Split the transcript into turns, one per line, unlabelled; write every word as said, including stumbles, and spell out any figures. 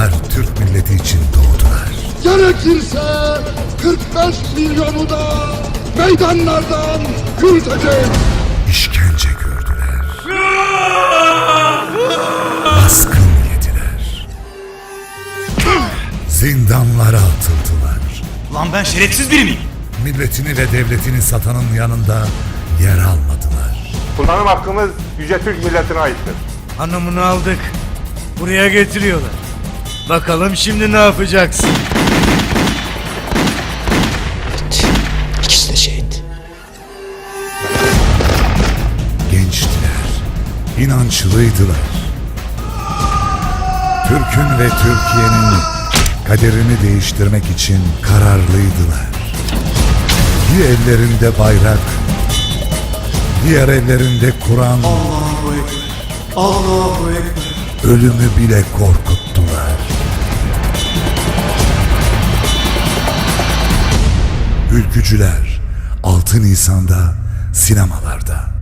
Onlar Türk milleti için doğdular.
Gerekirse kırk beş milyonu da meydanlardan yürüteceğiz.
İşkence gördüler. Baskın yediler. Zindanlara atıldılar.
Lan ben şerefsiz biri miyim?
Milletini ve devletini satanın yanında yer almadılar.
Kullanım hakkımız Yüce Türk milletine aittir.
Hanımını aldık. Buraya getiriyorlar. Bakalım şimdi ne yapacaksın?
İkisi de şehit.
Gençtiler, inançlıydılar. Türk'ün ve Türkiye'nin kaderini değiştirmek için kararlıydılar. Bir ellerinde bayrak, diğer ellerinde Kur'an,
Allahu Ekber. Allahu Ekber.
ölümü bile korkuttular. Ülkücüler altı Nisan'da sinemalarda.